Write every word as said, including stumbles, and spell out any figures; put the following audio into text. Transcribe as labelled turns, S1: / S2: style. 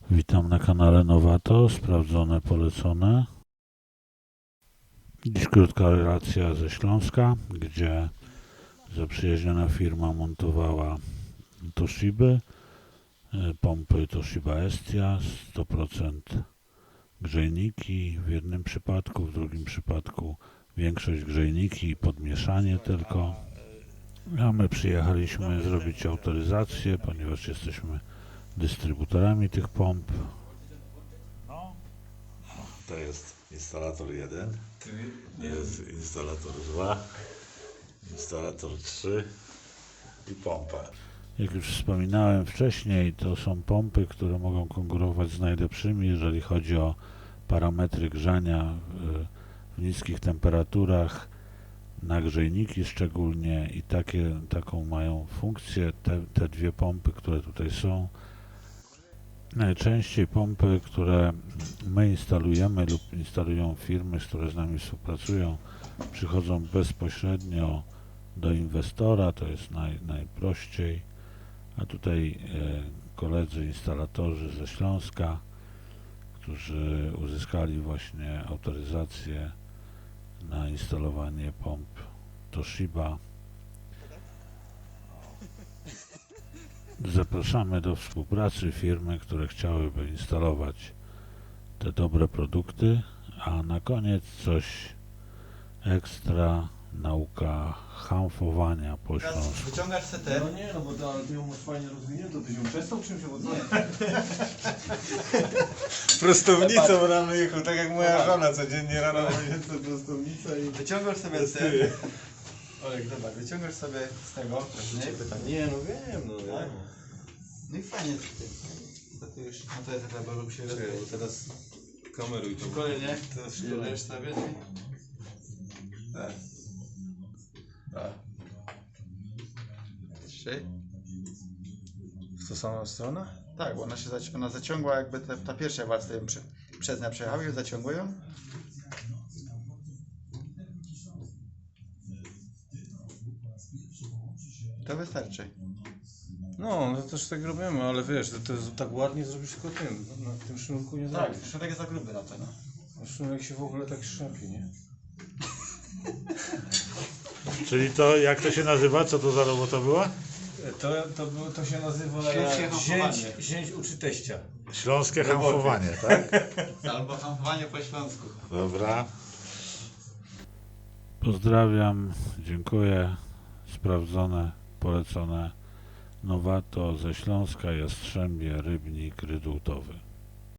S1: Witam na kanale Nowato, sprawdzone, polecone. Dziś krótka relacja ze Śląska, gdzie zaprzyjaźniona firma montowała Toshiby, pompy Toshiba Estia, sto procent grzejniki w jednym przypadku, w drugim przypadku większość grzejniki i podmieszanie tylko. A my przyjechaliśmy zrobić autoryzację, ponieważ jesteśmy dystrybutorami tych pomp.
S2: To jest instalator jeden, jest instalator dwa, instalator trzy i pompa.
S1: Jak już wspominałem wcześniej, to są pompy, które mogą konkurować z najlepszymi, jeżeli chodzi o parametry grzania w niskich temperaturach, nagrzejniki szczególnie, i takie, taką mają funkcję te, te dwie pompy, które tutaj są. Najczęściej pompy, które my instalujemy lub instalują firmy, które z nami współpracują, przychodzą bezpośrednio do inwestora, to jest naj, najprościej, a tutaj e, koledzy instalatorzy ze Śląska, którzy uzyskali właśnie autoryzację na instalowanie pomp Toshiba. Zapraszamy do współpracy firmy, które chciałyby instalować te dobre produkty, a na koniec coś ekstra, nauka hamfowania po śląsku.
S3: Wyciągasz setę.
S4: No nie, no bo to, ale ty ją masz fajnie rozwiniętą, ty ją przestał czymś owocować?
S3: Prostownicą
S4: rano jechał, tak jak moja żona codziennie rano będzie prostownica i...
S3: Wyciągasz sobie setę. Olek, dobra, wyciągasz sobie z tego wcześniej.
S4: Nie, no wiem, no
S3: Tak?
S4: wiem.
S3: No i fajnie. To ty już, no to jest taka, bo się
S4: Czekaj, bo teraz kameruj to.
S3: szkolenie.
S4: Teraz
S3: Szkoleniesz sobie, nie? Tak. Tak. Trzy.
S4: W tą samą stronę?
S3: Tak, bo ona się zaci ona zaciągła jakby te, ta pierwsza warstwa ją prze przez nią przejechały i zaciągują. To wystarczy.
S4: No, no też tak robimy, ale wiesz, to, to jest tak ładnie zrobić tylko tym, na tym sznurku nie
S3: Tak,
S4: zrobisz.
S3: sznurek jest za gruby na to, no.
S4: A sznurek się w ogóle tak szarpie, nie?
S1: Czyli to, jak to się nazywa? Co to za robota była?
S4: To, to, było- to się nazywa
S3: Śląskie hamfowanie.
S4: zięć, zięć uczy teścia.
S1: Śląskie hamfowanie, tak?
S3: Albo hampowanie po śląsku.
S1: Dobra. Pozdrawiam, dziękuję. Sprawdzone, polecone. Nowato ze Śląska, Jastrzębie, Rybnik, Rydultowy.